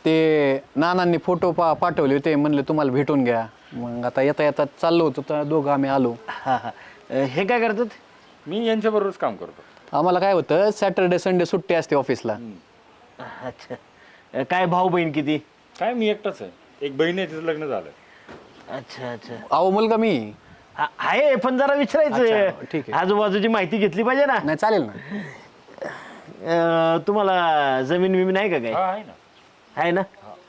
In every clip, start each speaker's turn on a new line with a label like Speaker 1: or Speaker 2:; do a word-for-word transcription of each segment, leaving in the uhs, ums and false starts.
Speaker 1: ते नानांनी फोटो पा पाठवले होते, म्हणले तुम्हाला भेटून घ्या. मग आता येता येता चाललो होतो तर दोघं आम्ही आलो.
Speaker 2: हा हा हे काय करतात?
Speaker 3: मी यांच्याबरोबरच काम करतो.
Speaker 1: आम्हाला काय होतं, सॅटर्डे संडे सुट्टी असते ऑफिसला.
Speaker 2: अच्छा, काय भाऊ बहीण किती?
Speaker 3: काय मी एकटाच आहे, एक बहीण आहे, तिचं लग्न झालं.
Speaker 2: अच्छा अच्छा,
Speaker 1: अहो मुलगा मी.
Speaker 2: हा, आहे पण जरा
Speaker 1: अच्छा,
Speaker 2: विचारायचं,
Speaker 1: ठीक आहे.
Speaker 2: आजूबाजूची माहिती घेतली पाहिजे ना.
Speaker 1: नाही चालेल ना.
Speaker 2: अं, तुम्हाला जमीन विमीन आहे का काय?
Speaker 3: हा आहे ना.
Speaker 2: आहे ना.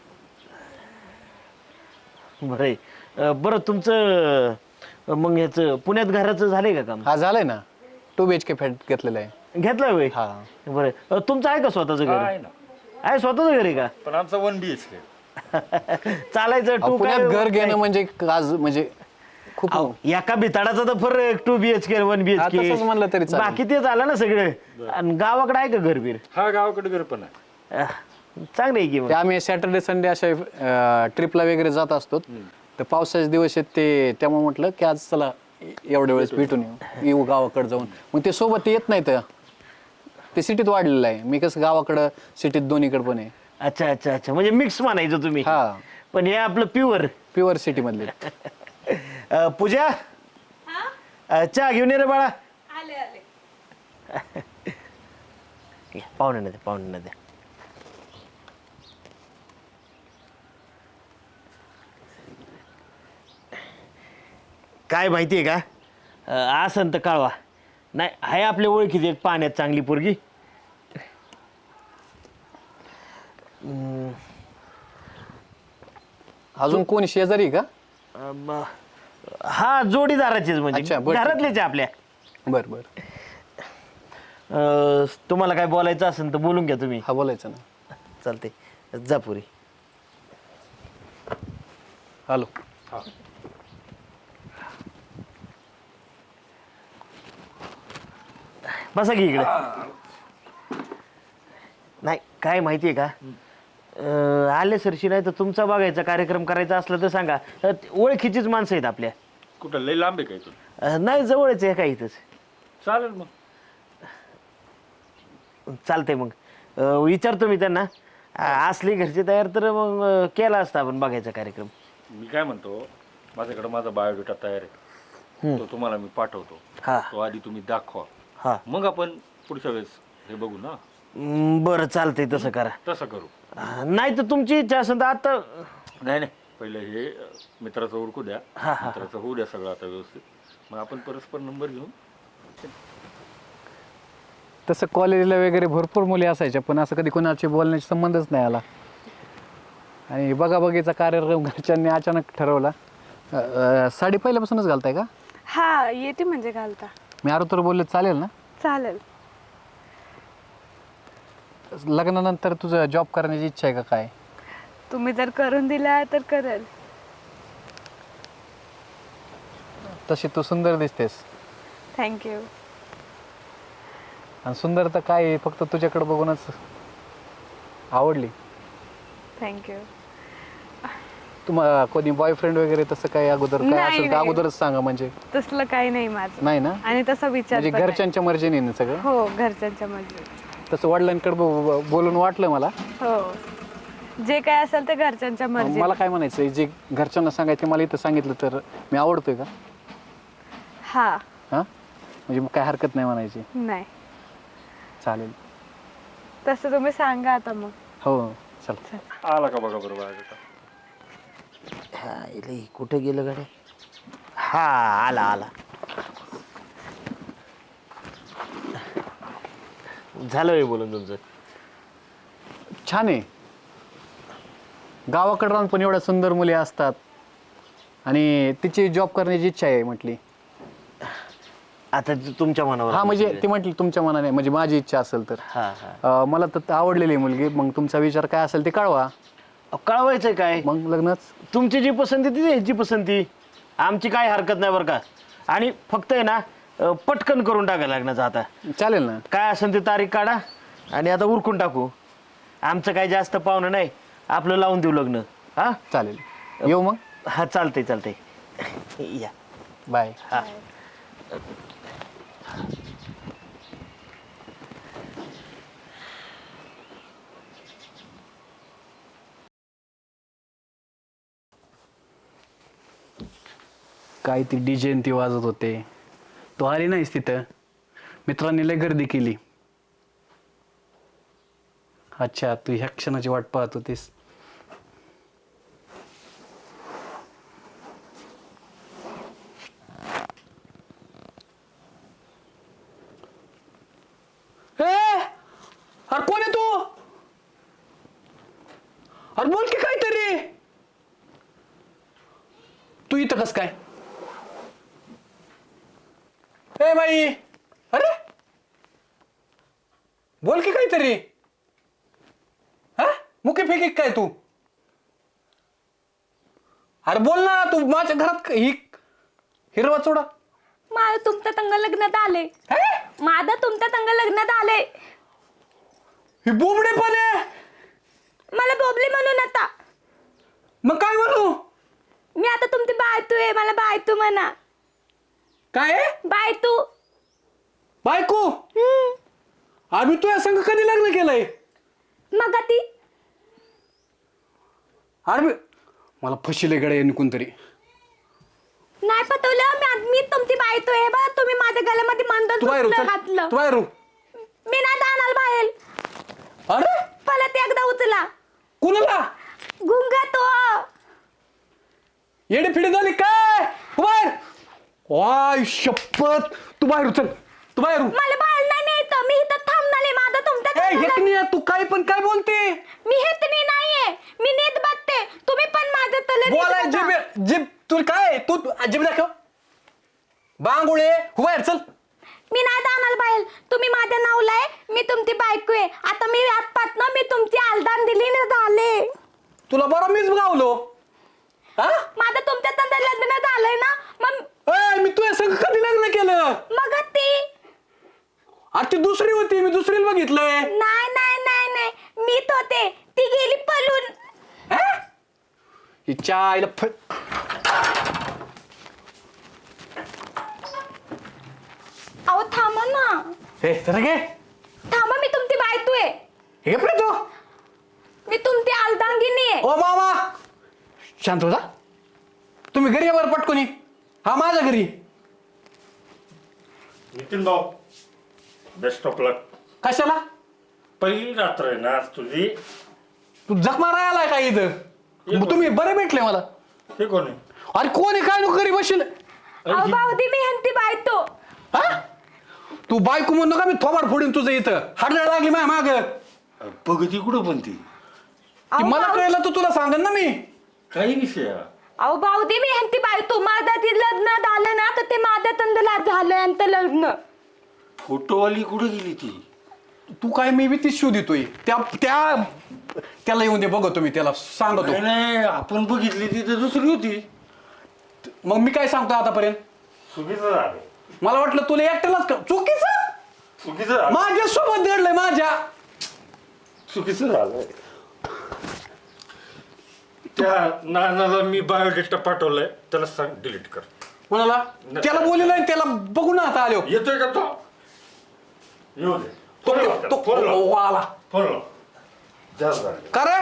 Speaker 2: बरं आहे. अं, बरं तुमचं मग ह्याचं पुण्यात घराचं झालंय का काम?
Speaker 1: हा झालंय ना, two B H K flat घेतलेला आहे.
Speaker 2: घेतलं होय?
Speaker 1: हा.
Speaker 2: बरं अं, तुमचं आहे का स्वतःचं
Speaker 3: हा
Speaker 2: घर?
Speaker 3: आहे ना,
Speaker 2: आहे स्वतःचं घर आहे का?
Speaker 3: पण आमचं वन बी एच के.
Speaker 2: चालायचं
Speaker 1: अहो,
Speaker 2: टू
Speaker 1: पुण्यात घर घेणं म्हणजे आज म्हणजे खूप.
Speaker 2: एका बिताडाचा तर फरक टू बीएचके वन
Speaker 1: हा,
Speaker 2: बीएचके
Speaker 1: तसंच म्हणलं तरी चालेल.
Speaker 2: बाकी ते झालं ना सगळं. आणि गावाकडे आहे का घर बीर?
Speaker 3: हा गावाकडे घर पण आहे.
Speaker 2: अं, चांगलं आहे की मग.
Speaker 1: ते आम्ही सॅटर्डे संडे अशा ट्रिपला वगैरे जात असतो. तर पावसाचे दिवस आहेत ते, त्यामुळे म्हटलं की आज चला एवढ्या वेळेस भेटून येऊ येऊ गावाकडे जाऊन. मग ते सोबत येत नाहीत, ते सिटीत वाढलेलं आहे. मी कसं गावाकडं सिटीत दोन्हीकडे पण आहे.
Speaker 2: अच्छा अच्छा अच्छा, म्हणजे मिक्स म्हणायचं तुम्ही.
Speaker 1: हा,
Speaker 2: पण हे आपलं प्युअर.
Speaker 1: प्युअर सिटी मधले.
Speaker 2: पूजा, अं, चहा घेऊन ये रे बाळा.
Speaker 4: आले आले.
Speaker 2: पाहुणे ना द्या, पाहुणे ना द्या. काय माहितीये का, अं, असं तर कळवा. नाही आहे आपल्या ओळखीची एक पाण्यात चांगली पोरगी.
Speaker 1: अजून कोणी शेजारी का?
Speaker 2: अं, म- हा जोडीदाराचीच म्हणजे
Speaker 1: अच्छा, बरं.
Speaker 2: घरातलेच आहे आपल्या.
Speaker 1: बर बर.
Speaker 2: अं, तुम्हाला काय बोलायचं असेल तर बोलून घ्या तुम्ही.
Speaker 1: हा, बोलायचं ना.
Speaker 2: चालते, जा पुरी.
Speaker 1: हॅलो.
Speaker 3: हा
Speaker 2: बसा की इकडे. नाही काय माहितीये का, अं, आले सरशी नाही तर तुमचा बघायचा कार्यक्रम करायचा असला तर सांगा. अं, ओळखीचीच माणसं आहेत आपल्या.
Speaker 3: कुठं लई लांब आहे काय तू?
Speaker 2: अं, नाही जवळच आहे काय इथंच.
Speaker 3: चालेल मग.
Speaker 2: चालतंय मग, अं, विचारतो मी त्यांना. अं, असली घरची तयार तर मग अं, केला असता आपण बघायचा कार्यक्रम.
Speaker 3: मी काय म्हणतो, माझ्याकडे माझा बायोडेटा तयार आहे, तो तुम्हाला मी पाठवतो.
Speaker 2: हा
Speaker 3: तो आधी तुम्ही दाखवा,
Speaker 2: हा,
Speaker 3: मग आपण पुढच्या वेळेस हे बघू ना.
Speaker 2: अं, बरं चालतंय तसं करा.
Speaker 3: तसं करू.
Speaker 2: अं, नाही तर तुमची इच्छा असेल तर आता.
Speaker 3: नाही नाही, पहिले हे अ, मित्राचं ओळखू द्या,
Speaker 2: हा, हा.
Speaker 3: मित्राचं होऊ द्या सगळं आता व्यवस्थित, मग आपण परस्पर नंबर घेऊन.
Speaker 1: तसं कॉलेजला वगैरे भरपूर मुली असायच्या, पण असं कधी कोणाशी बोलण्याचा संबंधच नाही आला. आणि बघा बघीचा कार्यक्रम घरच्यांनी अचानक ठरवला. अ, अ, साडी पहिल्यापासूनच घालताय का?
Speaker 4: हा येते म्हणजे घालता.
Speaker 1: मी आरो तर बोलले चालेल ना?
Speaker 4: चालेल.
Speaker 1: लग्नानंतर तुझं जॉब करण्याची इच्छा आहे का काय?
Speaker 4: तुम्ही जर करून दिला तर करेल.
Speaker 1: तशी तू सुंदर दिसतेस.
Speaker 4: थँक्यू.
Speaker 1: आणि सुंदर तर काय, फक्त तुझ्याकडे बघूनच आवडली.
Speaker 4: थँक्यू.
Speaker 1: तुम्हाला कोणी बॉयफ्रेंड वगैरे तसं काय अगोदर काय
Speaker 4: नाही,
Speaker 1: असेल तर
Speaker 4: नाही.
Speaker 1: अगोदरच सांगा, म्हणजे
Speaker 4: तसलं काही नाही माझं.
Speaker 1: नाही ना,
Speaker 4: आणि तसा विचार
Speaker 1: म्हणजे
Speaker 4: पण नाही.
Speaker 1: घरच्यांच्या मर्जीने ना सगळं.
Speaker 4: हो घरच्यांच्या मध्ये.
Speaker 1: तसं वडिलांकडे ब- बोलून वाटलं मला.
Speaker 4: हो जे काय असेल ते घरच्यांच्या मर्जी.
Speaker 1: मला काय म्हणायचं, जे घरच्यांना सांगायचं मला इथं सांगितलं तर मी आवडतोय का?
Speaker 4: हा.
Speaker 1: हां, म्हणजे मग काय हरकत नाही म्हणायची.
Speaker 4: नाही
Speaker 1: चालेल.
Speaker 4: तसं तुम्ही सांगा आता मग.
Speaker 1: हो चल.
Speaker 3: आला का बघा बरोबर बायोडेटा.
Speaker 2: हा इले कुठे गेलं गाड्या? हा आला आला. झालं हे बोलून तुमचं.
Speaker 1: छान आहे. गावाकडे राहून पण एवढ्या सुंदर मुली असतात, आणि तिची जॉब करण्याची इच्छा आहे म्हटली.
Speaker 2: आता तु- तुमच्या मनावर.
Speaker 1: हा म्हणजे ती म्हटली तुमच्या मनाने, म्हणजे माझी इच्छा असेल तर.
Speaker 2: हा हा,
Speaker 1: अं, मला तर आवडलेली आहे मुलगी. मग तुमचा विचार काय असेल ते कळवा,
Speaker 2: अहो, कळवायचंय काय?
Speaker 1: मग लग्नच.
Speaker 2: तुमची जी पसंती ती ह्याची पसंती, आमची काय हरकत नाही बरं का. आणि फक्त आहे ना अं, पटकन करून टाकायला लग्नाचं. आता
Speaker 1: चालेल ना.
Speaker 2: काय असेल ते तारीख काढा आणि आता उरकून टाकू. आमचं काय जास्त पाहुणं नाही, आपलं लावून देऊ लग्न. हा
Speaker 1: चालेल, येऊ मग.
Speaker 2: हा चालतंय चालतंय या.
Speaker 1: बाय.
Speaker 2: हा
Speaker 1: काय ती डीजे ती वाजत होते, तू आली नाहीस तिथं. मित्रांनी लय गर्दी केली. अच्छा, तू ह्या क्षणाची वाट पाहत होतीस. ए, अरे कोण आहे तू? अरे बोल की काहीतरी. तू इथं कस काय? ए बाई, अरे बोल की काहीतरी. हा मुके फेकी काय तू? अरे बोल ना, तू माझ्या घरात ही हिरवा चोडा.
Speaker 4: माझं तुमच्या संग लग्नात आले. माझं तुमच्या संग लग्नात आले.
Speaker 1: ही बोबडे पण आहे.
Speaker 4: मला बोबली म्हणून आता.
Speaker 1: मग काय म्हणू?
Speaker 4: मी आता तुमची बायतू आहे. मला बायतू म्हणा.
Speaker 1: काय आहे?
Speaker 4: बायतू.
Speaker 1: बायको?
Speaker 4: हम्म.
Speaker 1: आम्ही तू या संघ कधी लग्न केलंय?
Speaker 4: मग ती
Speaker 1: अरे मी- मला फशीले गड्या यांनी कोणतरी.
Speaker 4: नाही पटवलं. मी मी तुमची बायतू आहे बा. तुम्ही माझ्या गळ्यामध्ये
Speaker 1: तू बाहेर हो,
Speaker 4: मंदन
Speaker 1: चल.
Speaker 4: घातलं.
Speaker 1: तू बाहेर हो.
Speaker 4: मी नाही जाणार बाहेर.
Speaker 1: अरे
Speaker 4: परत एकदा उचला.
Speaker 1: कुणाला?
Speaker 4: गुंगा तो.
Speaker 1: येडी फिडी झाली काय? तू बाहेर. वाय शपथ, तू बाहेर हो, चल. तू बाहेर हो.
Speaker 4: मला बाहेर नाही न्यायचं. मी इथं थांबणार आहे. माझं तुमच्या
Speaker 1: ए,
Speaker 4: संग
Speaker 1: हेकणी आहे, तू काय पण काय बोलते?
Speaker 4: मी हेतनी नाहीये. मी नीट बघते. तुम्ही पण माझं तले नीट
Speaker 1: बोलाय
Speaker 4: बघा.
Speaker 1: जिब जिब तू काय तू जिब दाखव. बांगुळे हो बाहेर चल.
Speaker 4: मी नाही जाणार बाहेर. तुम्ही माझ्या नावला आहे. मी तुमची बायको आहे. आता मी आजपासनं मी तुमची आलदान दिली ना झाले.
Speaker 1: तुला बरं मीच गावलो. हा
Speaker 4: माझं तुमच्या संग लग्न झालंय ना. मग
Speaker 1: ए, मी तुझ्या संग कधी लग्न केलं?
Speaker 4: मग ती
Speaker 1: अरे ती दुसरी होती, मी दुसरीला बघितलंय.
Speaker 4: नाही नाही नाही नाही मीच होते. ती गेली पळून.
Speaker 1: हिच्या आईला फ
Speaker 4: अहो थांबा ना.
Speaker 1: हे तर घे.
Speaker 4: थांबा. मी तुमची बायको आहे.
Speaker 1: हे पण तू.
Speaker 4: मी तुमची आलदांगिनी आहे.
Speaker 1: ओ मामा शांत होता. तुम्ही घरी या बरं पटकोनी. हा माझ्या घरी.
Speaker 3: नितीन भाऊ, बेस्ट ऑफ लक.
Speaker 1: कशाला?
Speaker 3: पहिली रात्र आहे ना आज तुझी.
Speaker 1: तू जख मारायला आलाय का इथं? मग तुम्ही बरे भेटले मला.
Speaker 3: हे कोण आहे?
Speaker 1: अरे कोण आहे काय नको घरी बसेल.
Speaker 4: अहो भाऊदी मी ह्यांची बायको.
Speaker 1: हा तू बायको म्हणू नका, मी थोबाड फोडीन तुझं इथं. हाडळ लागली माझ्या माग.
Speaker 3: बघ ती कुठं पण ती
Speaker 1: ती मला कळलं तर तुला सांगन ना मी.
Speaker 3: काही विषय आहे.
Speaker 4: अहो भाऊदी मी ह्यांची बायको. माझं ती लग्न झालं ना तर ते माझ्या तंदला झालं यांचं लग्न.
Speaker 3: फोटोवाली कुठे गेली ती?
Speaker 1: तू काय मी बी ती शोध देतोय. त्या त्या त्याला येऊन दे बघतो मी त्याला सांगतो.
Speaker 3: नाही नाही, आपण बघितली ती तर दुसरी होती.
Speaker 1: मग मी काय सांगतो आतापर्यंत?
Speaker 3: चुकीचं झालं.
Speaker 1: मला वाटलं तुला एकट्यालाच का चुकीचं.
Speaker 3: चुकीचं झालं.
Speaker 1: माझ्या सोबत घडलंय माझ्या.
Speaker 3: चुकीचं झालं. त्या नानाला मी बायोडेटा पाठवलाय, त्याला सांग डिलीट कर.
Speaker 1: म्हणाला त्याला बोलले नाही, त्याला बघून आता आलो.
Speaker 3: येतोय का तो? येऊ दे.
Speaker 1: तो
Speaker 3: फोन लाव त्याला,
Speaker 1: तो-
Speaker 3: फोन लाव.
Speaker 1: ओ, आला
Speaker 3: फोन लाव. जास्त झालं.
Speaker 1: का रे?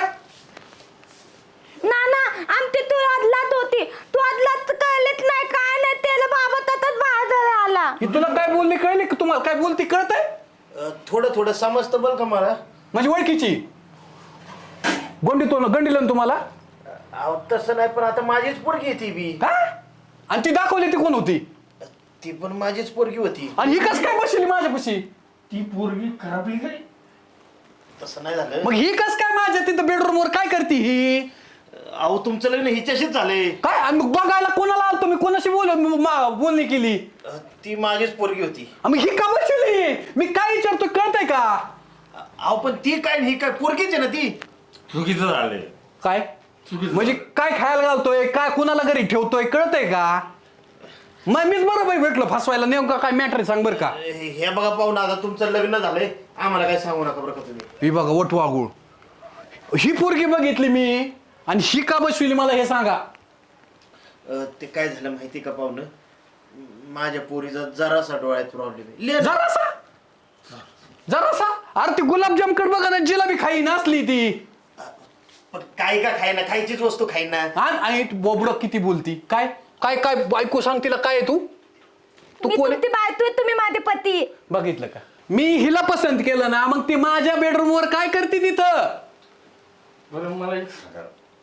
Speaker 4: ना ना आमची तू आदलात होती. तू आदलात कळलेच नाही काय नाही. त्याला बाबा तसंच बाहेर आला.
Speaker 1: ही तुला काय बोलली कळली का? तुम्हाला काय बोलती कळत आहे?
Speaker 2: अ, थोडं थोडं समजतं बरं का मला.
Speaker 1: माझी ओळखीची गोंडी तो गंडील ना तुम्हाला.
Speaker 2: अहो तसं नाही, पण आता माझीच पोरगी आहे ती बी.
Speaker 1: हा आणि ती दाखवली ती कोण होती?
Speaker 2: ती पण माझीच पोरगी होती.
Speaker 1: आणि ही कस काय बसली माझ्यापाशी?
Speaker 3: ती पोरगी खराबली काय?
Speaker 2: तसं नाही झालं.
Speaker 1: मग ही कस काय माझ्या तिथं बेडरूम वर काय करते ही?
Speaker 2: अहो तुमचं लग्न हिच्याशीच झालंय.
Speaker 1: काय आणि मग बघायला कोणाला आलतो मी? कोणाशी बोल मा- बोलणी केली?
Speaker 2: अ, ती माझीच पोरगी होती.
Speaker 1: मग ही का बसली? मी काय विचारतो कळतंय का?
Speaker 2: अहो पण ती काय ही काय पोरगीच आहे ना ती.
Speaker 3: चुकीचं झालंय.
Speaker 1: काय
Speaker 3: चुकीचं.
Speaker 1: म्हणजे काय खायला घालतोय काय कुणाला घरी ठेवतोय कळतंय का? मग मीच बरोबर भेटलो फसवायला. नेमका काय मॅटर सांग बरं का?
Speaker 2: हे हे बघा पाहून आता तुमचं लग्न झालंय, आम्हाला काय सांगू नका बरं का तुम्ही.
Speaker 1: ही बघा वटवागुळ. ही पोरगी बघितली मी आणि ही का बसविली मला हे सांगा.
Speaker 2: अ, ते काय झालं माहिती का पाहुणं, माझ्या पोरीचा जरासा डोळ्यात प्रॉब्लेम आहे.
Speaker 1: जरासा जरासा अरे ती गुलाबजामकड बघा ना, जिलाबी खाई नसली ती.
Speaker 2: पण काय का खायना, खायचीच वस्तू खाईना.
Speaker 1: हा आणि बोबड किती बोलती काय? काय काय बायको सांग तिला काय आहे तू तू
Speaker 4: मी
Speaker 1: कोण आहे?
Speaker 4: तुमची बायको आहे, तुम्ही माझे पती.
Speaker 1: बघितलं का मी हिला पसंत केलं ना मग ती माझ्या बेडरूम वर काय करते तिथं
Speaker 3: बरं मला एक सांगा,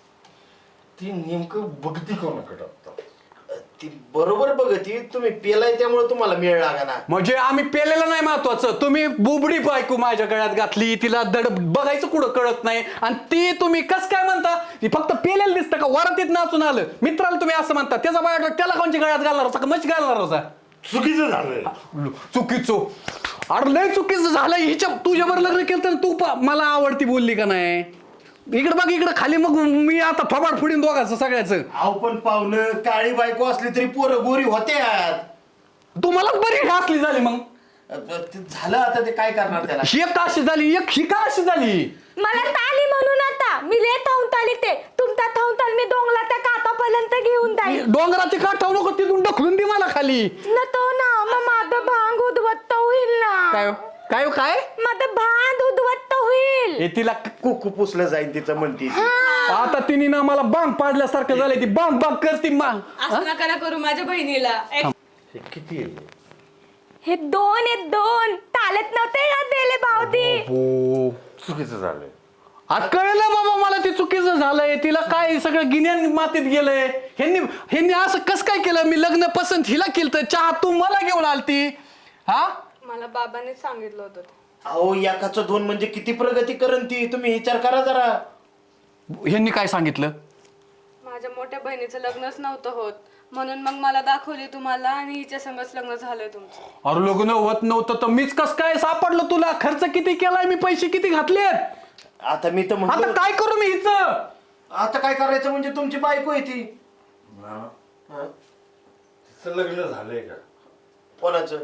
Speaker 3: ती नेमकं बघती कोणाकडं आता?
Speaker 2: ती बरोबर बघती, तुम्ही पेलाय त्यामुळे तुम्हाला मिळ लागा ना.
Speaker 1: म्हणजे आम्ही पेलेलं नाही महत्वाचं, तुम्ही बुबडी बायको माझ्या गळ्यात घातली, तिला दड बघायचं कुठं कळत नाही आणि ती तुम्ही कस काय म्हणता ती फक्त पेलेलं दिसतं का वरातीत नाचून आलं मित्राला तुम्ही असं म्हणता त्याचा बायोडा त्याला कोणच्या गळ्यात घालणार होता का मच घालणार होता
Speaker 3: चुकीचं झालं.
Speaker 1: चुकीचं अरे लय चुकीचं झालं हिच्या तुझ्यावर लग्न केलं तर तू पा- मला आवडती बोलली का नाही इकडे बघ इकडे खाली मग मी आता फबाड फुडीन दोघांचं सगळ्याचं
Speaker 2: अहो पण पाहुणं काळी बायको असली तरी पोरं गोरी होत्यात.
Speaker 1: तू मलाच बरी घासली झाली मग
Speaker 2: अ, ते झालं आता ते काय करणार त्याला.
Speaker 1: ही एक का अशी झाली एक ही का अशी झाली
Speaker 4: मला ताली म्हणून आता मी लय थांबून ताली ते तुमचा थांबून ताल मी डोंगला त्या कातापर्यंत घेऊन जाईल.
Speaker 1: डोंगराची काठ ठेवू नको तिथून ढकलून दे मला खाली
Speaker 4: न तो ना मग माझं भांग उद्वत्त होईल ना.
Speaker 1: काय काय काय
Speaker 4: माझं भांग उद्वत्त होईल.
Speaker 1: हे तिला
Speaker 2: कुकू पुसलं जाईल तिचं म्हणती ती.
Speaker 1: आता तिने ना मला बांग पाडल्यासारखं झालंय ती बांग बांग करते मा
Speaker 5: असं नका ना करू माझ्या बहिणीला. एक
Speaker 3: हे किती आहे?
Speaker 4: हे दोन आहेत दोन तालत नव्हते का दिले भावती.
Speaker 1: हो
Speaker 3: चुकीचं झालंय.
Speaker 1: आता कळलं बाबा मला ते चुकीचं झालंय तिला काय सगळं गिन्यान मातीत गेलंय ह्यांनी ह्यांनी असं कस काय केलं मी लग्न पसंत हिला केलं चहा तू मला घेऊन आलती हा
Speaker 5: मला बाबाने सांगितलं होतं ते.
Speaker 2: अहो एकाचं दोन म्हणजे किती प्रगती करण ती, तुम्ही विचार करा जरा.
Speaker 1: ह्यांनी काय सांगितलं
Speaker 5: माझ्या मोठ्या बहिणीचं लग्नच नव्हतं होत म्हणून मग मला दाखवली तुम्हाला आणि हिच्या संगच लग्न झालंय तुमचं.
Speaker 1: अरे लग्न होत नव्हतं तर मीच कस काय सापडलं तुला खर्च किती केलाय मी पैसे किती घातलेत
Speaker 2: आता मी तर
Speaker 1: आता
Speaker 2: म्हणतो
Speaker 1: काय करू मी हिचं
Speaker 2: आता काय करायचं म्हणजे तुमची बायको आहे ती.
Speaker 3: ना
Speaker 2: हं?
Speaker 3: तिचं लग्न झालंय का?
Speaker 2: कोणाचं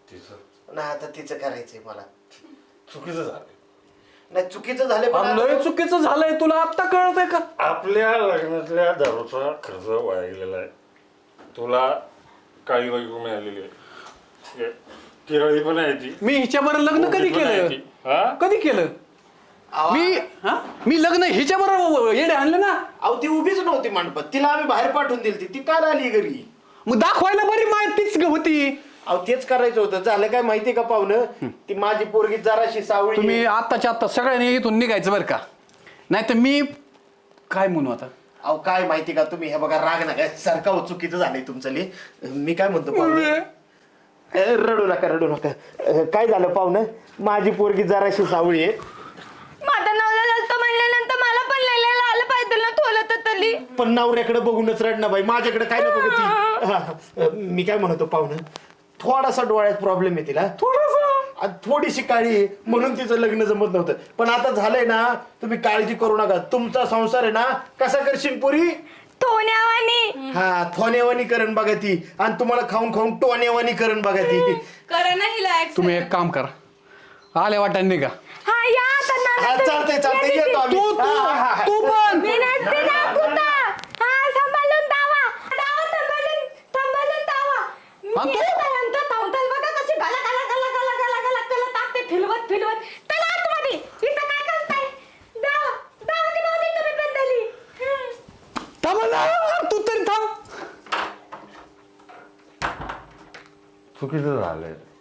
Speaker 3: तिचं
Speaker 2: नाही आता तिचं करायचंय मला.
Speaker 3: चुकीचं झालंय.
Speaker 2: नाही चुकीचं झालं पण
Speaker 1: अरे लय
Speaker 2: आता-
Speaker 1: चुकीचं झालंय तुला आत्ता कळत आहे का
Speaker 3: आपल्या लग्नातल्या दारूचा खर्च वाया गेलेला आहे. तुला काळी बायको मिळालेली आहे. ठीक आहे? तिरळी पण आहे ती.
Speaker 1: मी हिच्याबरोबर लग्न कधी
Speaker 3: मोठी पण आहे
Speaker 1: केलं
Speaker 3: ती. हा?
Speaker 1: कधी केलं मी हा मी लग्न हिच्याबरोबर येडे आणलं ना
Speaker 2: अहो ती उभीच नव्हती मंडपात, तिला आम्ही बाहेर पाठवून दिली ती काल आली घरी.
Speaker 1: मग दाखवायला बरी माहितीच होती
Speaker 2: अहो तेच करायचं होतं. झालं काय माहितीये का पाहुणं, ती माझी पोरगी जराशी सावळी
Speaker 1: तुम्ही
Speaker 2: आहे.
Speaker 1: आत्ताच्या आत्ता सगळ्यांनी इथून निघायचं बरं का नाही तर मी काय म्हणू आता
Speaker 2: अहो काय माहिती का तुम्ही हे बघा राग नका सारखा हो, चुकीचं झालंय तुमचं लय. मी काय म्हणतो पाहुणं, अ, रडू नका रडू नका. अ, काय झालं पाहुणं, माझी पोरगी जराशी सावळी आहे.
Speaker 4: माझं नवला ललतं म्हणल्यानंतर मला पण लिहिलेलं आलं पाहिजे ना थोलं तर तली.
Speaker 2: पण नवऱ्याकडे बघूनच रडणं बाई, माझ्याकडे काय नको ती. हा, अ, मी काय म्हणतो पाहुणं, थोडासा डोळ्यात प्रॉब्लेम आहे तिला थोडासा आणि थोडीशी काळी आहे म्हणून तिचं लग्न जमत नव्हतं. पण आता झालंय ना, तुम्ही काळजी करू नका. तुमचा संसार आहे ना कसा करशील पुरी,
Speaker 4: थोण्यावानी.
Speaker 2: हा थोनेवानी करण बघा ती आणि तुम्हाला खाऊन खाऊन टोनेवानी करण बघा ती.
Speaker 5: करा ना हिला accept.
Speaker 1: तुम्ही एक काम करा आले वाटाने निघा
Speaker 4: हा या आता नाना
Speaker 2: हा
Speaker 4: ते-
Speaker 2: चालतंय चालतंय
Speaker 4: ये
Speaker 2: येतो आम्ही.
Speaker 1: तू तू
Speaker 2: हा, हा, हा.
Speaker 1: तू पण
Speaker 4: मी नसते ना कुठं. हा सांभाळून दावा दावा सांभाळून सांभाळून दावा. मी
Speaker 1: हा, तू?
Speaker 4: येईपर्यंत थांबताल बघा कशी गला गला गला गला गला गला त्याला टाकते फिरवत फिरवत त्याला आतमध्ये इथं काय करताय. दावा दावा ती भावती तुम्ही बदलली.
Speaker 1: थांब ना, तू तरी थांब
Speaker 3: चुकीचं झालंय.